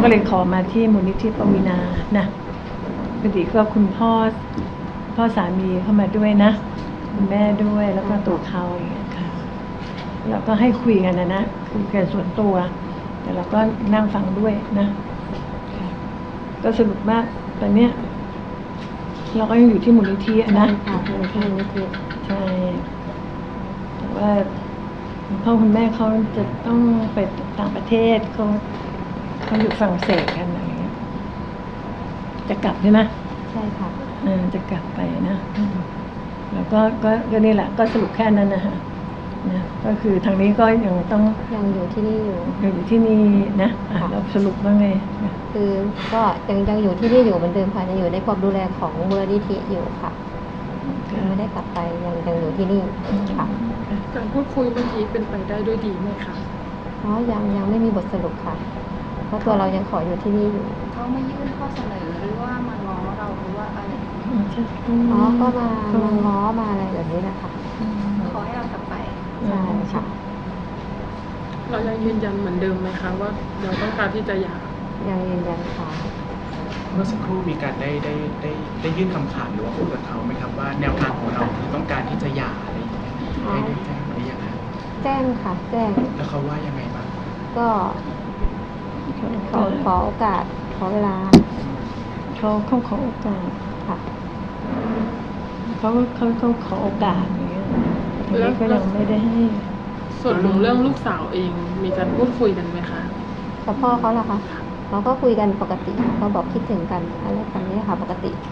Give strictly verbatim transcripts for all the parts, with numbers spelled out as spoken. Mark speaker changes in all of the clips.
Speaker 1: ก็เลยขอมาที่มูลนิธิปวีนานะพอดีก็คุณพ่อพ่อสามีเข้ามาด้วยนะคุณแม่ด้วยแล้วก็ตัวเขาอย่างเงี้ยค่ะเราก็ให้คุยกันนะนะคุยกันส่วนตัวแต่เราก็นั่งฟังด้วยนะก็สรุปมากตอนเนี้ยเราก็ยังอยู่ที่มูลนิธินะ
Speaker 2: ค่ะอยู่ที่มูลนิธิ
Speaker 1: ใช่แต่ว่าคุณพ่อคุณแม่เขาจะต้องไปต่างประเทศเขาเขาอยู่ฝรั่งเศสกันอะไรเงี้ยจะกลับใช่ไหม
Speaker 2: ใช่ค่ะ
Speaker 1: เออจะกลับไปนะแล้วก็ก็ก็นี่แหละก็สรุปแค่นั้นนะฮะนะก็คือทางนี้ก็ยังต้อง
Speaker 2: ยังอยู่ที่นี่อยู่
Speaker 1: ยังอยู่ที่นี่นะอ่ะเราสรุปว่าไง
Speaker 2: คือก็ยังยังอยู่ที่นี่อยู่เหมือนเดิมค่ะยังอยู่ในความดูแลของมูลนิธิอยู่ค่ะยังไม่ได้กลับไปยังยังอยู่ที่นี่ค่ะ
Speaker 3: การพูดคุยเมื่อกี้เป็นไปได้ด้วยดีไหมคะ
Speaker 2: อ๋อยังยังไม่มีบทสรุปค่ะเพราะตัวเรายังขออยู่ที่นี่อยู่
Speaker 4: เขามายื่นข้อเสนอหรือว่ามาง้อเราหรือว่าอะไร
Speaker 2: อ๋อก็มามาง้อมาอะไรแบบนี้นะคะ
Speaker 4: ขอให้เรากลับไป
Speaker 2: ใช่ค่ะ
Speaker 3: เรายังยืนยันเหมือนเดิมไหมคะว่าเราต้องการที่จะหย่า
Speaker 2: ยังยืนยันค่ะ
Speaker 5: เมื่อสักครู่มีการได้ได้ได้ได้ยื่นคำขาดหรือว่าพูดกับเขาไหมครับว่าแนวทางของเราคือต้องการที่จะหย่าอะไรอย่างเงี้ยได้ได้แจ้งหรือยังคะ
Speaker 2: แจ้งค่ะแจ้ง
Speaker 5: แล้วเขาว่ายังไงบ้าง
Speaker 2: ก็ขอขอโอกาสขอเวลา
Speaker 1: เขาเขาขอโอกาส
Speaker 2: ค่ะ
Speaker 1: เขาเขาเขาขอโอกาสอย่างเงี้ยแล้วก็ยังไม่ได้ให้
Speaker 3: ส่วนของเรื่องลูกสาวเองมีการพูดคุยกันไหมคะ
Speaker 2: กับพ่อเขาล่ะคะเราก็คุยกันปกติเขาบอกคิดถึงกันอะไรแบบนี้ค่ะปกติ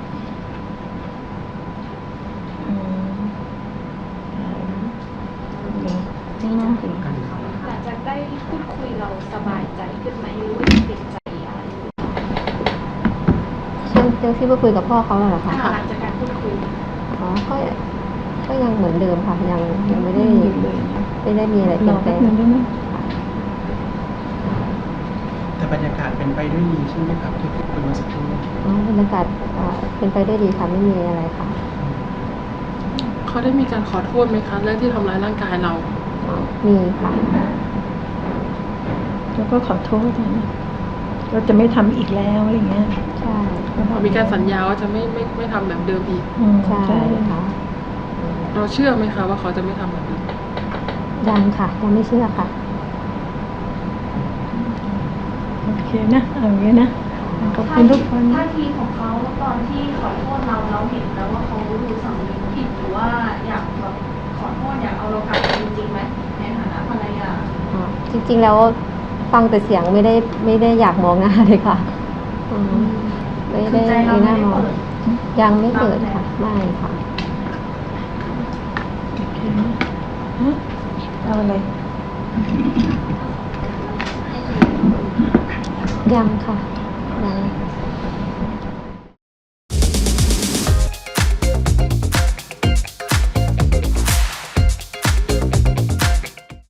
Speaker 4: หลังจากได้พูดคุยเราสบายใจขึ้นไหมหรือว่าติดใจอะไร
Speaker 2: ช่วงเรื่องที่มาคุยกับพ่อเขาเหรอคะ
Speaker 4: หลังจากการพูดคุย
Speaker 2: อ๋อก็ก็ยังเหมือนเดิมค่ะยังยังไม่ได้ไม่ได้มีอะไรเปลี่ยนแปลง
Speaker 5: แต่บรรยากาศเป็นไปด้วยดีใช่ไหมครับที่พูดคุยมาสักครู่
Speaker 2: อ๋อบรรยากาศเป็นไปด้วยดีค่ะไม่มีอะไรค่ะ
Speaker 3: เขาได้มีการขอโทษไหมคะเรื่องที่ทำร้ายร่างกายเรา
Speaker 2: มีค่ะ
Speaker 1: แล้วก็ขอโทษนะเราจะไม่ทำอีกแล้วอะไรเงี้ย
Speaker 2: ใช่
Speaker 3: มีการสัญญาว่าจะไม่ไม่ไม่ทำแบบเดิมอีก
Speaker 2: ใช่ค่ะ
Speaker 3: เราเชื่อไหมคะว่าเขาจะไม่ทำแบบนี้
Speaker 2: ยังค่ะยังไม่เชื่อค่ะ
Speaker 1: โอเคนะเอาอย่างนี้นะขอบคุณทุกคน
Speaker 4: ท่าทีของเขาตอนที่ขอโทษเราเราเห็นแล้วว่าเขาดูสำนึกผิดหรือว่าอยากแบบขอโทษอยากเอาเรากลับจริงๆไหมในฐานะภรรยา
Speaker 2: อ๋อจริงๆแล้วฟังแต่เสียงไม่ได้ไม่ได้อยากมองหน้าเลยค่ะไม่ได้ไม่น่ามองยังไม่เปิดค่ะไม่ค่ะ
Speaker 1: เอาอะไร
Speaker 2: ยังค่ะยัง